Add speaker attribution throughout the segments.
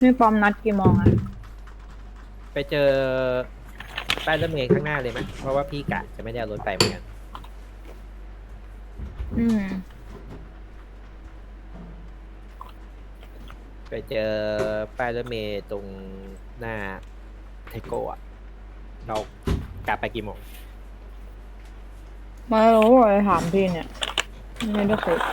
Speaker 1: นี่ปอมนัดกี่โมงอ่ะ
Speaker 2: ไปเจอป้ายรถเมล์ข้างหน้าเลยไหมเพราะว่าพี่กะจะไม่ได้เอารถไปเหมือนกัน
Speaker 1: อืม
Speaker 2: ไปเจอป้ายรถเมล์ตรงหน้าไทโก้อะเรากะไปกี่โมง
Speaker 1: ไม่รู้เลยถามพี่เนี่ยไม่ได้คุย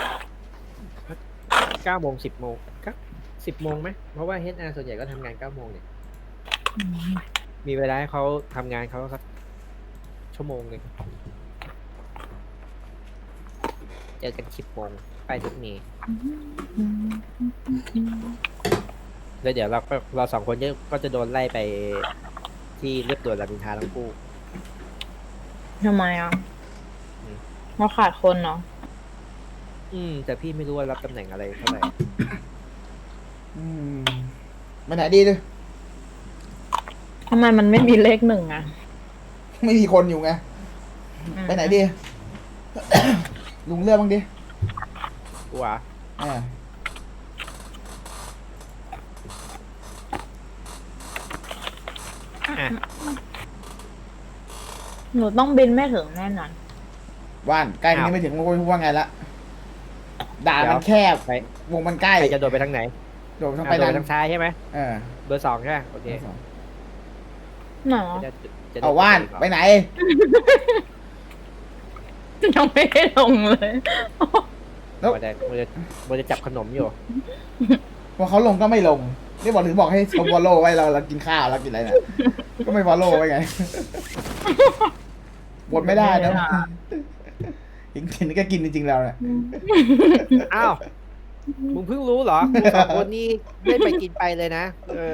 Speaker 2: 9 โมง 10 โมงก็10 โมงไหมเพราะว่า HR ส่วนใหญ่ก็ทำงาน9 โมงเนี่ย
Speaker 1: อืม
Speaker 2: มีเวลาให้เขาทำงานเขาสักชั่วโมงหนึงเจอกัน10 โมงป้ายรถเมล์แล้วเดี๋ยวเราสองคนก็จะโดนไล่ไปที่เรียบด่วนรามอินทราทั้งคู่
Speaker 1: ทำไมอ่ะ
Speaker 2: อืม
Speaker 1: เราขาดคนเนาะ
Speaker 2: แต่พี่ไม่รู้ว่ารับตำแหน่งอะไรเท่าไหร่
Speaker 3: อืมไปไหนดีดิ
Speaker 1: ทำไมมันไม่มีเลขหนึ่งอ่ะ
Speaker 3: ไม่มีคนอยู่ไง
Speaker 1: อืม
Speaker 3: ไปไหนดี ลุงเลือกบ้างดิ
Speaker 2: กูอ่ะ
Speaker 3: อ่า
Speaker 2: อ่ะ
Speaker 1: หนูต้องบินไม่ถึงแน่นอน
Speaker 3: ว่านใกล้ตรงนี้ไม่ถึงว่าไงละด่านมันแคบ
Speaker 2: ไป
Speaker 3: วงมันใกล้
Speaker 2: ใครจะโดดไปทางไหน
Speaker 3: โดดทาง
Speaker 2: อ่ะ
Speaker 3: ไป
Speaker 2: โดด
Speaker 3: นั้
Speaker 2: ไป
Speaker 3: น
Speaker 2: ทางซ้ายใช่ไหม
Speaker 3: เออ
Speaker 2: เบอร์ 2ใช่ไหมโอเค
Speaker 1: หนอ
Speaker 2: จะได้
Speaker 3: เอาว่านไปไหน
Speaker 1: ยังไม่ได้ลงเลย
Speaker 3: แล้ว
Speaker 2: มันจะจับขนมอยู่
Speaker 3: พอเขาลงก็ไม่ลงนี่บอกถึงบอกให้เขาฟอลโล่ไว้เรากินข้าวเรากินอะไรเนี่ยก็ไม่ฟอลโล่ไว้ไงบดไม่ได้นะกินก็กินจริงๆแล้วเนี่ย
Speaker 2: อ้าวมึงเพิ่งรู้เหรอกูสองคนนี้ไม่ไปกินไปเลยนะ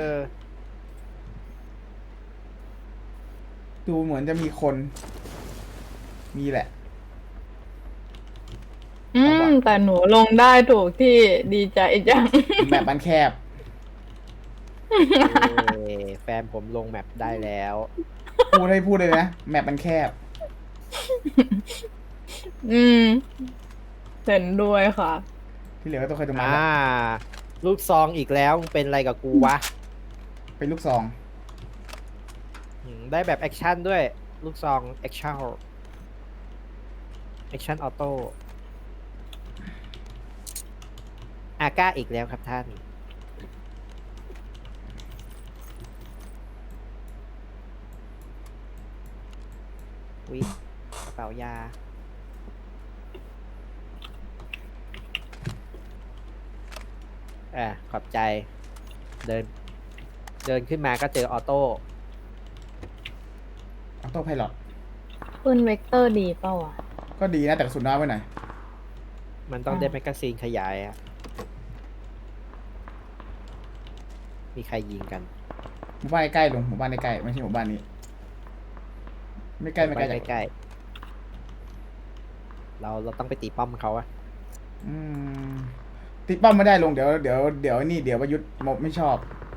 Speaker 3: ดูเหมือนจะมีคน มีแหละ
Speaker 1: แต่หนูลงได้ถูกที่ดีใจจัง
Speaker 3: แบบมันแคบ
Speaker 2: แฟนผมลงแมปได้แล้ว
Speaker 3: พูดเลยนะแมปมันแคบ
Speaker 1: อืมเห็นด้วยค่ะ
Speaker 3: ที่เหลือก็ต้องคอยดูมัน
Speaker 2: อ่า ลูกซองอีกแล้วมึงเป็นอะไรกับกูวะ
Speaker 3: เป็นลูกซอง
Speaker 2: ได้แบบแอคชั่นด้วย ลูกซองแอคชั่นออโต้อาก้าอีกแล้วครับท่านวิกระเป๋ายาขอบใจ เดิน ขึ้นมาก็เจอออโต้
Speaker 3: ออโต้ไพลอต
Speaker 1: ปืนเวกเตอร์ดีเปล่าวะ
Speaker 3: ก็ดีนะแต่กระสุนน้อยไปหน่อย
Speaker 2: มันต้องได้แมกกาซีนขยายอะมีใครยิงกัน
Speaker 3: หมู่บ้านใกล้ๆลงหมู่บ้านใกล้ๆไม่ใช่หมู่บ้านนี้ ไม่ใกล้ไม่ไกลจาก
Speaker 2: ใกล้ๆเราต้องไปตีป้อมเขาอะ
Speaker 3: อืมติดป้อมไม่ได้ลงเดี๋ยวนี่เดี๋ยวประยุทธ์ไม่ชอบ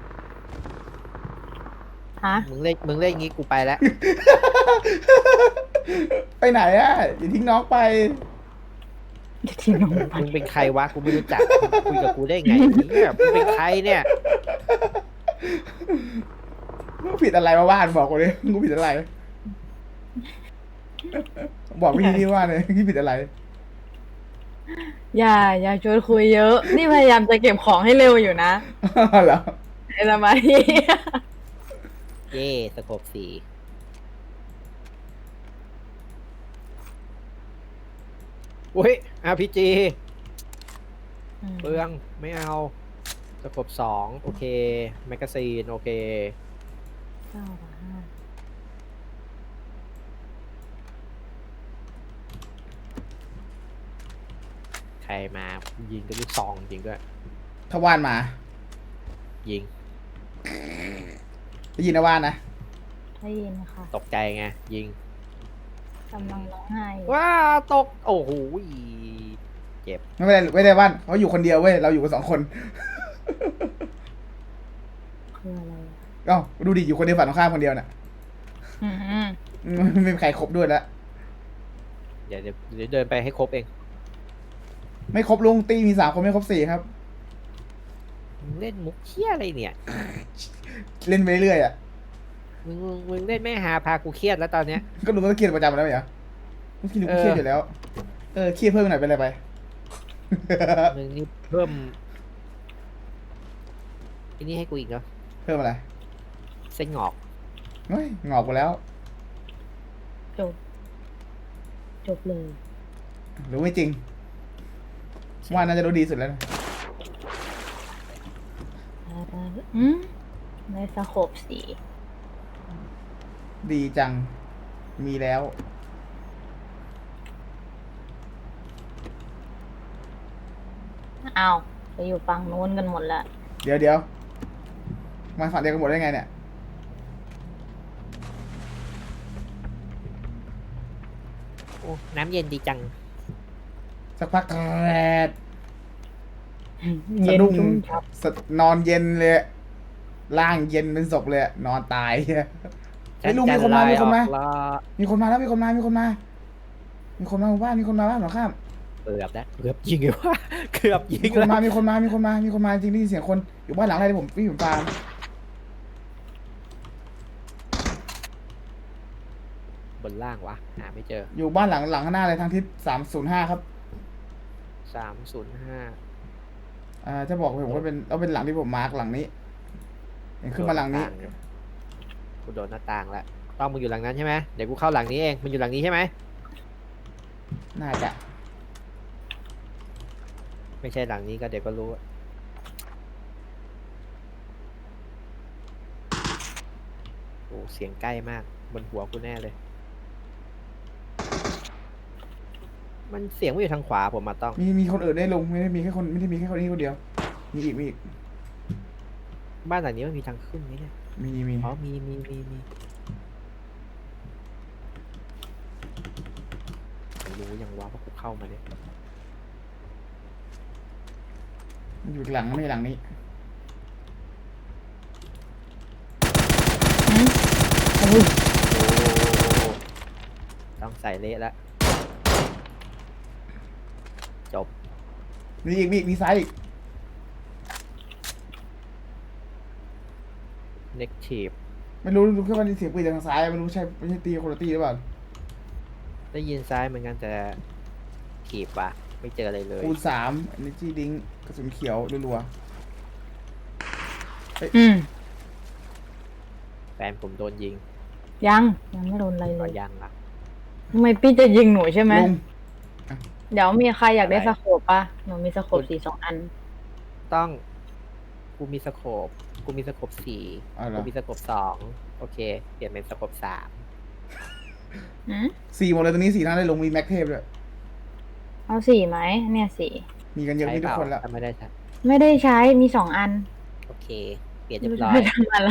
Speaker 1: ฮะ
Speaker 2: มึงเล่นงี้กูไปแล้ว
Speaker 3: ไปไหนอ่ะอย่าทิ้งน้องไป
Speaker 1: ที่น้องไป
Speaker 2: มึงเป็นใครวะกูไม่รู้จักคุยกับกูได้ไงเนี่ยมึงเป็นใครเนี่ย
Speaker 3: กูผิดอะไรมาบ้านบอกกูเลยกูผิดอะไร บอกพี่ที่ว่าเลยพี่ผิดอะไร
Speaker 1: อย่าชวนคุยเยอะ นี่พยายามจะเก็บของให้เร็วอยู่นะ
Speaker 3: เหรอ
Speaker 1: ไอ้สมาธิ
Speaker 2: เย่สโคป4อุ้ย RPG เปลืองไม่เอาสโคป2โอเคแมกกาซีนโอเคใครมายิงกับลูกซองจริงด้วย
Speaker 3: ถ้าว่านมา
Speaker 2: ยิง
Speaker 3: ได้ยินนะว่านนะ
Speaker 1: ได้ยินค่ะ
Speaker 2: ตกใจไงยิง
Speaker 1: กำลังร้องไห้อยู่
Speaker 2: ว้าตก โอ้โหเจ็บ
Speaker 3: ไม่ได้ว่านเขาอยู่คนเดียวเว้ยเราอยู่กัน2 คน
Speaker 1: คืออะไรอะ
Speaker 3: เอ้าดูดิอยู่คนเดียวฝั่งตรงข้ามคนเดียวน่ะ
Speaker 1: อืม
Speaker 3: ไม่มีใครครบด้วยแล้ว
Speaker 2: เดี๋ยวเดินไปให้ครบเอง
Speaker 3: ไม่ครบลุงตีมี3 คนไม่ครบ4ครับ
Speaker 2: มมึงเล่นมุกเหี้ยอะไรเนี่ย
Speaker 3: เล่นไปเรื่อยๆอ่ะ
Speaker 2: มึงเล่นไม่หาพากูเครียดแล้วตอนเนี้ย
Speaker 3: ก็ลุงก็เครียดประจำแล้วเหรอลุงคิดลุงก็เครียดอยู่แล้ว เครียดเพิ่มหน่อยเป็นไรไป
Speaker 2: มึงนี่เพิ่มอันนี้ให้กูอีกเนาะ
Speaker 3: เพิ่มอะไร
Speaker 2: เส้นงอก
Speaker 3: เฮ้ยงอกไปแล้ว
Speaker 1: จบ จบเลย
Speaker 3: รู้ไม่จริง ว่าน่าจะรู้ดีสุดแล้วนะ
Speaker 1: อืมในสโคปสี
Speaker 3: ดีจัง มีแล้ว
Speaker 1: อ้าวไปอยู่ฝั่งนู้นกันหมดละ
Speaker 3: เดี๋ยวมาฝั่งเดียวกันหมดได้ไงเนี่ย
Speaker 2: โอ้น้ำเย็นดีจัง
Speaker 3: สักพักแกรด
Speaker 1: เย็
Speaker 3: สะ
Speaker 1: น
Speaker 3: ดุ้ง
Speaker 1: ชุ่มฉ่
Speaker 3: นอนเย็นเลยอะร่างเย็นเป็นศพเลยอะนอนตายเฮ้ยลุงมีคนมา มีคนมา มีคนมาแล้วมีคนมาหมู่บ้านมีคนมาบ้านหรอข้าม
Speaker 2: เกือบแล้วเกือบยิงเลยว่าเกือบยิ
Speaker 3: มี
Speaker 2: ง
Speaker 3: คน
Speaker 2: แล้ว
Speaker 3: มามีคนมาจริงได้ยินเสียงคนอยู่บ้านหลังอะไรผมวิ่งผมตาม
Speaker 2: บนล่างวะหาไม่เจอ
Speaker 3: อยู่บ้านหลังข้างหน้าเลยทางทิศ305ครับ
Speaker 2: 305
Speaker 3: จะบอกผมว่าเป็นหลังที่ผมมาร์กหลังนี้เห็นขึ้นมาหลังนี้
Speaker 2: กูโดนหน้าต่างแล้วต้องมึงอยู่หลังนั้นใช่ไหมเดี๋ยวกูเข้าหลังนี้เองมึงอยู่หลังนี้ใช่ไหม
Speaker 3: น่าจะ
Speaker 2: ไม่ใช่หลังนี้ก็เดี๋ยวก็รู้อะโอ้เสียงใกล้มากบนหัวกูแน่เลย มันเสียงไม่อยู่ทางขวาผมมาต้อง
Speaker 3: มีคนอื่นได้ลงไม่ได้มีแค่คนนี้คนเดียว มีอีก
Speaker 2: บ้านหลังนี้มันมีทางขึ้นไหมเนี่ย
Speaker 3: มี
Speaker 2: อ๋อมีผมรู้ยังว่ากูเข้ามาเนี่ย
Speaker 3: มันอยู่อีกหลังไม่ใช่หลังนี้
Speaker 1: ำอุ้ย
Speaker 2: โอ้ต้องใส่เละแล้วจบ
Speaker 3: มีซ้ายอีก
Speaker 2: เน็กทีฟ
Speaker 3: ไม่รู้แค่ว่าได้เสียงปืนจากทางซ้ายไม่ใช่ตีคนละตีหรือเปล่า
Speaker 2: ได้ยินซ้ายเหมือนกันแต่ทีบว่ะไม่เจออะไรเลย
Speaker 3: คูณ3 energy drink กระสุนเขียวรัว
Speaker 1: อืม
Speaker 2: แฟนผมโดนยิง
Speaker 1: ยังไม่โดนอะไรเล
Speaker 2: ก็
Speaker 1: ย
Speaker 2: ยังอ่ะ
Speaker 1: ทำไมพี่จะยิงหนูใช่ไหม
Speaker 3: ลุง
Speaker 1: เดี๋ยวมีใครอยากได้
Speaker 2: อะไร
Speaker 1: สโคปปะหนูมีสโคปสี2 อัน
Speaker 2: ต้องกูมีสโคป4
Speaker 3: อ๋อเหร
Speaker 2: กู
Speaker 3: อ
Speaker 2: มีสโคป2โอเคเปลี่ยนเป็นสโคป3
Speaker 1: อืม
Speaker 3: 4หมดเลยตรงนี้4ท่านได้ลงมีแม็กเทพด้วย
Speaker 1: เอาสีไหมเนี่ยสี
Speaker 3: มีกันเยอะ
Speaker 2: ใช้
Speaker 3: นี่
Speaker 2: เป
Speaker 3: ทุก
Speaker 2: ล่า
Speaker 3: คนละ
Speaker 2: ถ้าไม่ได้ใช้
Speaker 1: ไม่ได้ใช้มี 2 อัน
Speaker 2: โอเค เปลี่ยนเรีย
Speaker 1: ไม่
Speaker 2: บ
Speaker 1: รู้
Speaker 2: ร้อ
Speaker 1: ไป
Speaker 2: ย
Speaker 1: ทำอะไร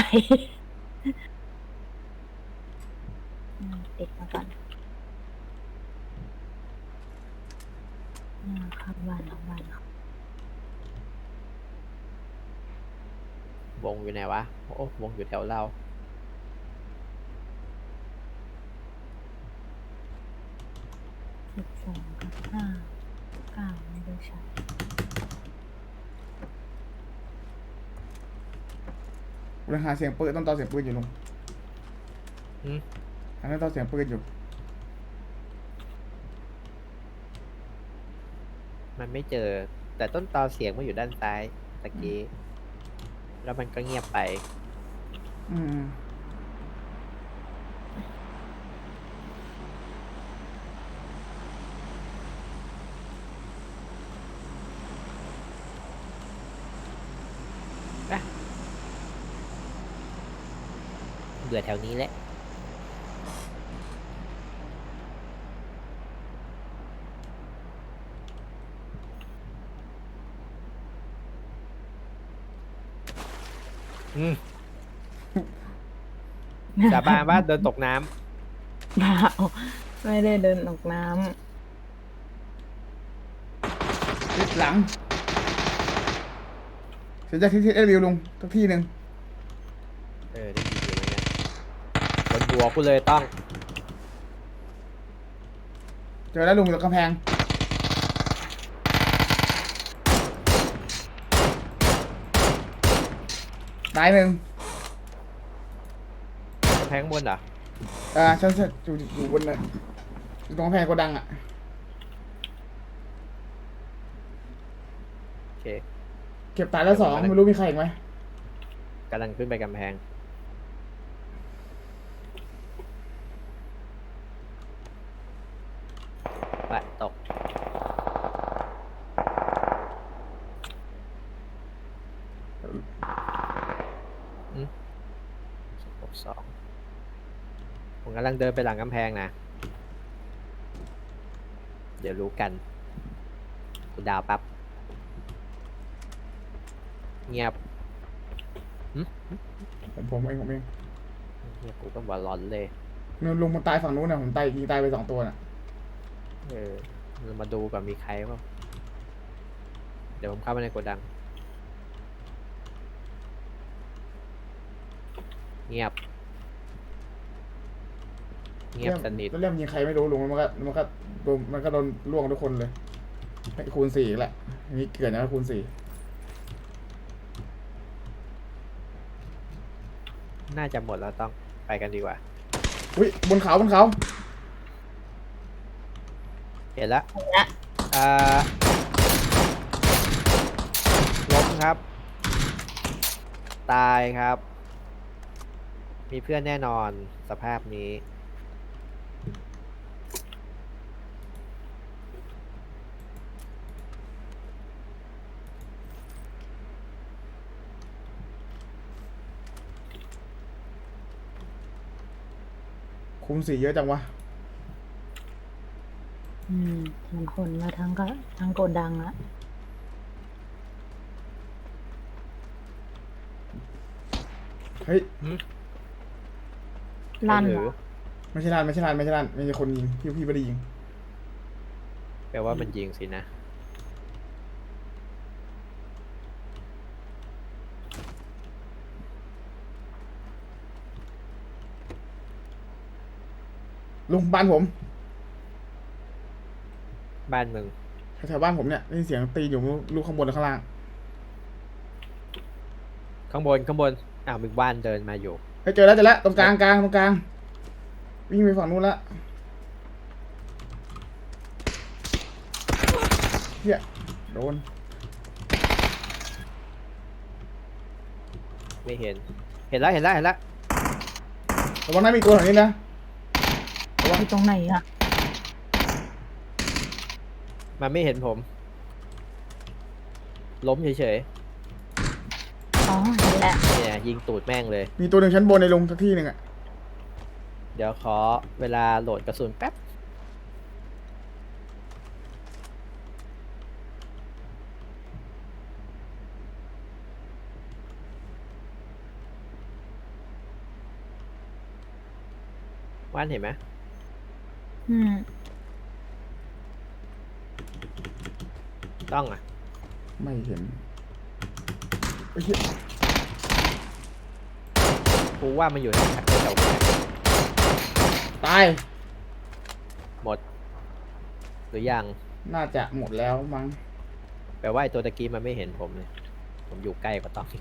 Speaker 1: ติดมาก่อนเข้าบ้าน
Speaker 2: วงอยู่ไหนวะโอ้วงอยู่แถวเรา
Speaker 1: 12 กับ 5 9ไม่ได้ใช้
Speaker 3: กูยังหาเสียงปืนต้องต่อเสียงปืนอยู่ลุง
Speaker 2: หืม
Speaker 3: อันนั้นต่อเสียงปืนอยู่
Speaker 2: มันไม่เจอ แต่ต้นตอเสียงมันอยู่ด้านซ้ายตะกี้แล้วมันก็เงียบไป
Speaker 3: อืม
Speaker 2: เบื่อแถวนี้แหละ อืม สาบานว่าเดินตกน้ำ
Speaker 1: เปล่าไม่ได้เดินออกน้
Speaker 3: ทิศหลังเสียจากที่เอวิวลุงสักที่หนึ่ง
Speaker 2: ได้ยินอยู่เลยเนี่ยบนหัวกูเลยต้อง
Speaker 3: เจอแล้วลุงอยู่ตรงกำแพงตายหนึ่ง
Speaker 2: กำแพงข้างบนเหรอ
Speaker 3: ฉันอยู่บนน่ะอยู่ตรงกำแพงโกดังอ่ะ
Speaker 2: โอเค
Speaker 3: เก็บตายแล้วสองไม่รู้มีใครอีกไหม
Speaker 2: กำลังขึ้นไปกำแพงไปตกสองผมกำลังเดินไปหลังกำแพงนะ เดี๋ยวรู้กันกูดาวปั๊บเงียบ
Speaker 3: ผมเอง
Speaker 2: เงียบกูก็บอลลอนเลย
Speaker 3: นู่นลุงมันตายฝั่งนู้นนะผมตายยิงตายไป2 ตัวน่ะ
Speaker 2: เรามาดูก่อนมีใครบ้างเดี๋ยวผมเข้าไปในโกดัง เงียบ เงียบสนิท
Speaker 3: แล้วเรื่องยิงใครไม่รู้ลุงมันก็โดนล่วงทุกคนเลยให้คูณ4อีกแหละอันนี้เกิดนะคูณ4
Speaker 2: น่าจะหมดแล้วต้องไปกันดีกว่า
Speaker 3: อุ้ยบนเขา
Speaker 2: เห็นแล้ว
Speaker 1: นะ
Speaker 2: ล้มครับ ตายครับ มีเพื่อนแน่นอนสภาพนี้
Speaker 3: คูณ4เยอะจังวะ
Speaker 1: มันคนมาทั้งโกดังอะ
Speaker 3: เฮ้ย
Speaker 1: ลั่น
Speaker 2: ห
Speaker 1: เห
Speaker 2: รื
Speaker 1: ร
Speaker 2: อ
Speaker 1: อ
Speaker 3: ไม่ใช่ลั่นไม่ใช่คนยิงพี่ไม่ได้ยิง
Speaker 2: แปลว่ามันยิงสินะ
Speaker 3: ลุงบ้านผม
Speaker 2: บ้านมึง
Speaker 3: แถวบ้านผมเนี่ยได้ยินเสียงตีอยู่ลูกข้างบนหรือข้างล่าง
Speaker 2: ข้างบนอ้าวมีบ้านเดินมาอยู่
Speaker 3: เฮ้ยเจอแล้วตรงกลางตรงกลางวิ่งไปฝั่งนู้นละเฮียโดน
Speaker 2: ไม่เห็น เห็นแล้ว
Speaker 3: ระวังนะมีตัวแถวนี้นะ
Speaker 1: อยู่ตรงไหนอะ
Speaker 2: มันไม่เห็นผม ล้มเฉย
Speaker 1: อ๋อเห็นแหละ
Speaker 2: ๆเนี่ยยิงตูดแม่งเลย
Speaker 3: มีตัวหนึ่งชั้นบนในลงสักที่หนึ่งอะ
Speaker 2: เดี๋ยวขอเวลาโหลดกระสุนแป๊บ ว่านเห็นไหม
Speaker 1: อืม
Speaker 2: ต้องอ่ะ
Speaker 3: ไม่เห็นเฮ้ยเหี้ย
Speaker 2: กูว่ามันอยู่ในแถวๆนี้
Speaker 3: ตาย
Speaker 2: หมด หรือยัง
Speaker 3: น่าจะหมดแล้วมั้ง
Speaker 2: แปลว่าไอ้ตัวตะกี้มันไม่เห็นผมเลย ผมอยู่ใกล้กว่าต้องอีก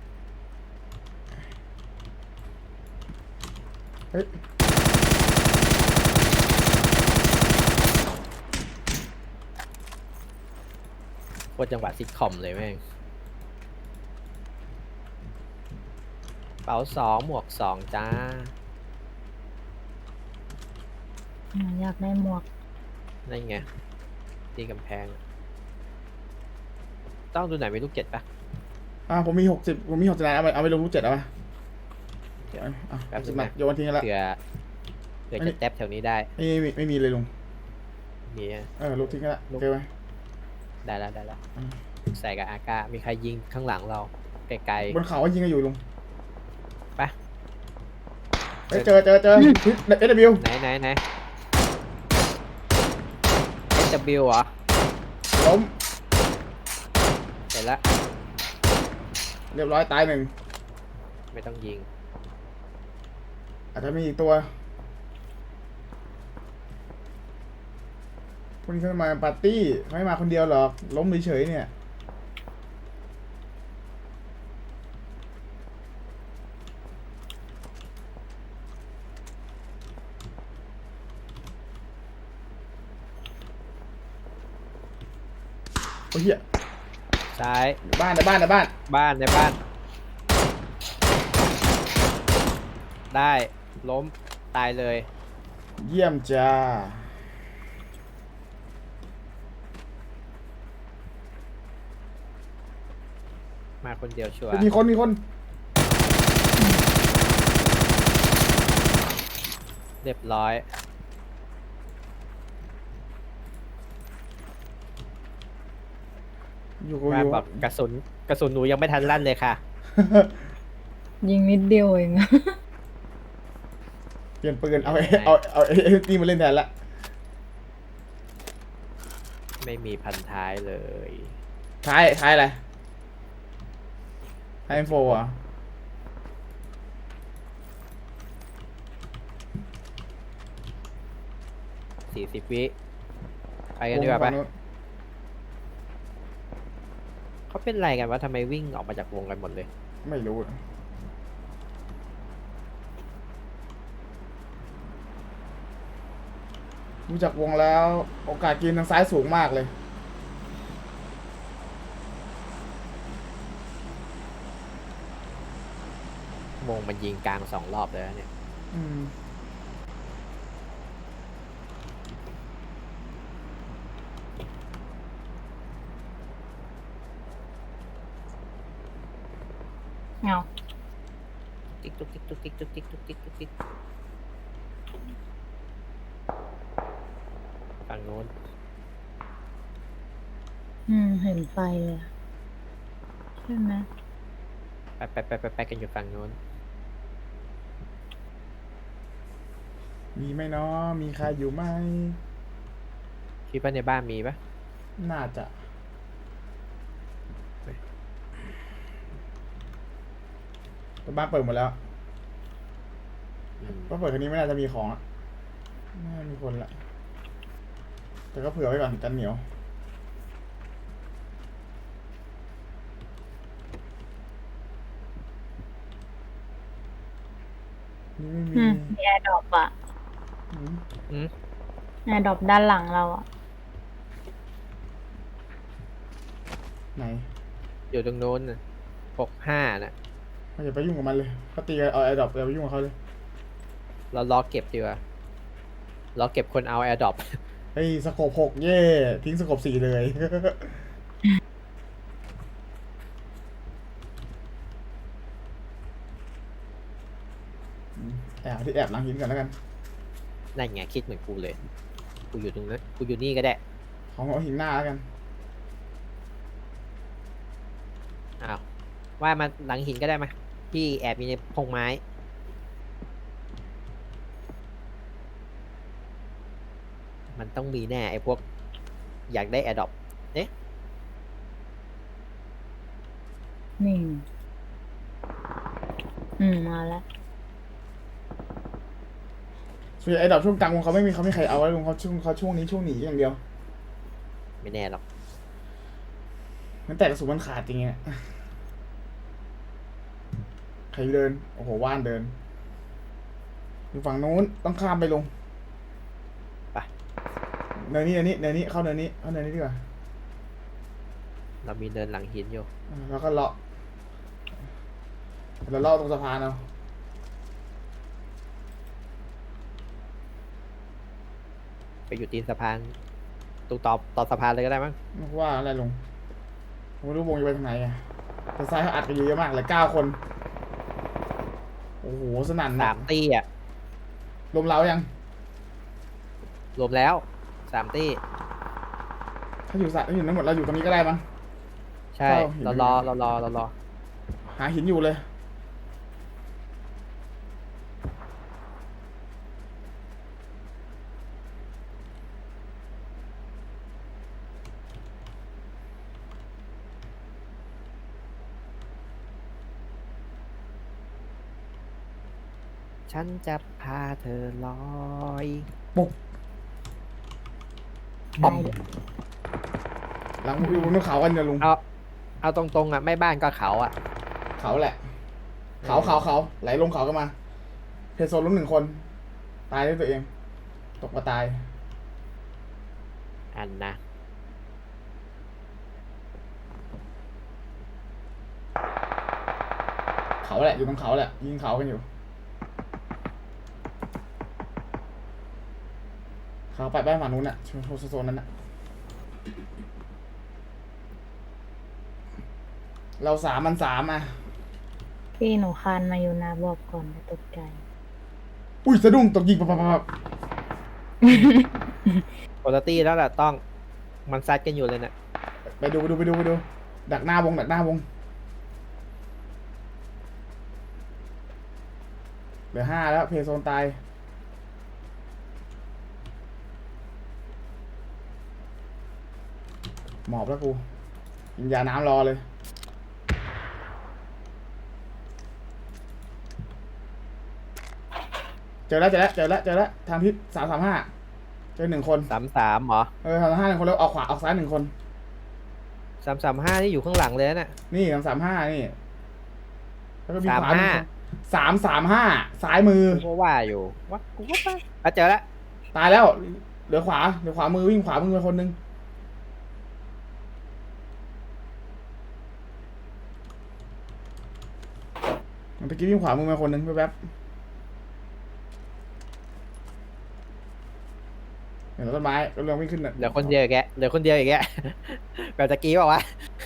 Speaker 3: เฮ้ย
Speaker 2: โคตรจังหวะซิทคอมเลยแม่งเป๋า2 หมวก 2 จ้า
Speaker 1: อยากได้หมวก
Speaker 2: นั่นไงที่กำแพง ต้องดูไหนมีลูกเจ็ดปะ
Speaker 3: ผมมี60นายเอาไปลงลูก7เอาไป
Speaker 2: เดี๋ยว
Speaker 3: เอา
Speaker 2: แป๊บนึง
Speaker 3: มา
Speaker 2: นะ
Speaker 3: โยนทิ้งแล้ว
Speaker 2: เผื่อจะแท็บแถวนี้ได้
Speaker 3: ไม่มีเลยลุง
Speaker 2: มีอะ
Speaker 3: ลูกทิ้งแล้ว
Speaker 2: ลูก
Speaker 3: โอเคไหม
Speaker 2: ได้แล้ว
Speaker 3: อืม
Speaker 2: ใส่กับอากามีใครยิงข้างหลังเรา ไกล
Speaker 3: บนเขาก็ยิงกันอยู่ลุง
Speaker 2: ๆไป
Speaker 3: เฮ้ยเจอSW
Speaker 2: ไหน SW เหรอ
Speaker 3: ล้ม
Speaker 2: เห็นแล้ว
Speaker 3: เรียบร้อยตายหนึ่ง
Speaker 2: ไม่ต้องยิง
Speaker 3: อาจจะมีอีกตัวพวกนี้เขามาปาร์ตี้ไม่มาคนเดียวหรอกล้มเฉยๆเนี่ยโอ้ยเหี้ย
Speaker 2: ซ้าย
Speaker 3: ในบ้านในบ้านในบ้าน
Speaker 2: บ้านในบ้าน ได้ล้มตายเลย
Speaker 3: เยี่ยมจ้า
Speaker 2: มาคนเดียวชัวร์
Speaker 3: มีคนมีคน
Speaker 2: เรียบร้อย
Speaker 3: อยู่กู
Speaker 2: ว่า
Speaker 3: อยู่
Speaker 2: แบบกระสุนหนูยังไม่ทันลั่นเลยค่ะ
Speaker 1: ยิงนิดเดียวเอง
Speaker 3: เปลี่ยนปืนเอาไอ้ตีมาเล่นแทนละ
Speaker 2: ไม่มีพันท้ายเลย
Speaker 3: ท้ายอะไรท้ายอินโฟอ่ะ
Speaker 2: 40 วิไปกันดีกว่าปะเขาเป็นไรกันวะทำไมวิ่งออกมาจากวงกันหมดเลย
Speaker 3: ไม่รู้รู้จักวงแล้วโอกาสกินทางซ้ายสูงมากเลย
Speaker 2: วงมันยิงกลาง2 รอบเลยนะเนี่ย
Speaker 3: อืม
Speaker 1: เงา
Speaker 2: ติ๊กตุ๊กติ๊กตุ๊กติ๊กตุ๊กติ๊กตุ๊กติ๊กตุ๊กติ๊กฝั่งโน้น
Speaker 1: เห็นไฟเลยอะใช่ไหม
Speaker 2: ไปกันอยู่ฝั่งโน้น
Speaker 3: มีไหมเนาะมีใครอยู่ไหม
Speaker 2: คิดว่าในบ้านมีปะ
Speaker 3: น่าจะแต่บ้านเปิดหมดแล้ว
Speaker 2: อืม
Speaker 3: บ้านเปิดคันนี้ไม่น่าจะมีของอะน่ามีคนละแต่ก็เผื่อไว้ก่อนกันเหนียวนี่ไม่มี
Speaker 1: มีแอร์ดรอปอะ
Speaker 3: อืม
Speaker 2: อืม
Speaker 1: แอร์ดรอปด้านหลังเราอะ
Speaker 3: ไหน
Speaker 2: อยู่ตรงโน้นน่ะ65น่ะ
Speaker 3: ไม่อย่าไปยุ่งกับมันเลยเขาตีกันเอาไอ้ดอกอย่าไปยุ่งกับเขาเลย
Speaker 2: เราล้อเก็บดีกว่าล้อเก็บคนเอาแอร์ดรอป
Speaker 3: เฮ้ยสโคป6เย่ทิ้งสโคป4เลย แอบที่แอบหลังหินก่อนแล้วกัน
Speaker 2: นั่นไงคิดเหมือนกูเลย กูอยู่ตรงนั้นกูอยู่นี่ก็ได้
Speaker 3: ของเอาหินหน้าแล้วกัน
Speaker 2: อ้าวว่ามาหลังหินก็ได้มาพี่แอบอยู่ในพงไม้ มันต้องมีแน่ไอ้พวกอยากได้แอร์ดรอป
Speaker 1: นี่มาแล้ว
Speaker 3: ส่วนใหญ่ไอ้ดอกช่วงกลางวงเขาไม่มีใครเอาไว้ลงเขาช่วงนี้ช่วงหนีอย่างเดียว
Speaker 2: ไม่แน่หรอก
Speaker 3: มันแต่กระสุนมันขาดจริงๆอะใครเดินโอ้โหว่านเดินอยู่ฝั่งนู้นต้องข้ามไปลง
Speaker 2: ไป
Speaker 3: เนินนี้เข้าเนินนี้ดีกว่า
Speaker 2: เรามีเดินหลังหินอยู่
Speaker 3: แล้วก็เลาะตรงสะพานเอา
Speaker 2: ไปอยู่ตีนสะพานตรงต่อสะพานเลยก็ได้มั้ง
Speaker 3: ว่าอะไรลงผมไม่รู้วงจะไปทางไหนอะแต่ซ้ายเขาอัดกันอยู่เยอะมากเลย9 คนโอ้โหสนั่น
Speaker 2: 3 ตี้อ่ะ
Speaker 3: ลมเล้ายัง
Speaker 2: รวมแล้ว3 ตี้
Speaker 3: ถ้าอยู่นั้นหมดเราอยู่ตรงนี้ก็ได้มั้ง
Speaker 2: ใช่
Speaker 3: เข้าหิน
Speaker 2: เรารอ
Speaker 3: หาหินอยู่เลย
Speaker 2: ฉันจะพาเธอลอย
Speaker 3: ปุ๊บ
Speaker 1: ได้เลย
Speaker 3: หลังอยู่บนเขากันเดี๋ยวลุง
Speaker 2: เอาตรงๆอ่ะไม่บ้านก็เขาอ่ะ
Speaker 3: เขาแหละ เขาไหลลงเขากันมาเพโซนล้ม1 คนตายด้วยตัวเองตกมาตาย
Speaker 2: อันนะ
Speaker 3: เขาแหละอยู่ตรงเขาแหละยิงเขากันอยู่เขาไปบ้านฝั่งนู้นน่ะโซนนั้นน่ะเรา3 มัน 3อ่ะ
Speaker 1: พี่หนูคานมาอยู่นะบอกก่อนจะตกใจ
Speaker 3: อุ้ยสะดุ้งตกยิงปั๊บ
Speaker 2: ปกติแล้วแหละต้องมันซัดกันอยู่เลยเนี่ย
Speaker 3: ไปดูดักหน้าวงเหลือ5แล้วเพย์โซนตายหมอบแล้วกูกินยาน้ำรอเลยเจอแล้วทางทิศ335เจอ1 คน
Speaker 2: 33เหรอ
Speaker 3: 335 1 คนแล้วออกขวาออกซ้าย1 คน
Speaker 2: 335นี่อยู่ข้างหลังเลยนะ
Speaker 3: นี่335นี่แล้วก็มีขวา
Speaker 2: 35
Speaker 3: 335ซ้ายมือ
Speaker 2: กูก็ว่าอยู่ว่ากูก็ไปเจอแล้ว
Speaker 3: ตายแล้วเหลือขวามือวิ่งขวามือไปคนนึงมันตะกี้วิ่งขวามือมาคนนึงแป๊บเห็นต้นไม้ก็เรื่องวิ่งขึ้นน่ะ
Speaker 2: เหลือคนเดียวอีกแกแบบตะกี้บอกว่า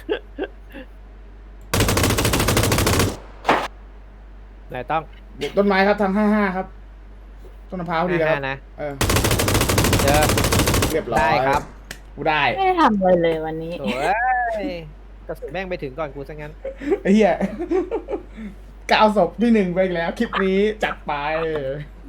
Speaker 2: ไหนต้อง
Speaker 3: ต้นไม้ครับทาง55ครับต้นมะพร้าวดีครับ
Speaker 2: นะ
Speaker 3: เจอ
Speaker 2: เจอ
Speaker 3: เรียบร้อย
Speaker 2: ได้ครับ
Speaker 3: กูได้
Speaker 1: ไม่ได้ทำอะไรเลยวันนี้
Speaker 2: โอ้ยกระสุนแม่งไปถึงก่อนกูซะงั้น
Speaker 3: ไอ้เหี้ย ก้าวศพที่ 1ไปอีกแล้วคลิปนี้จัดไป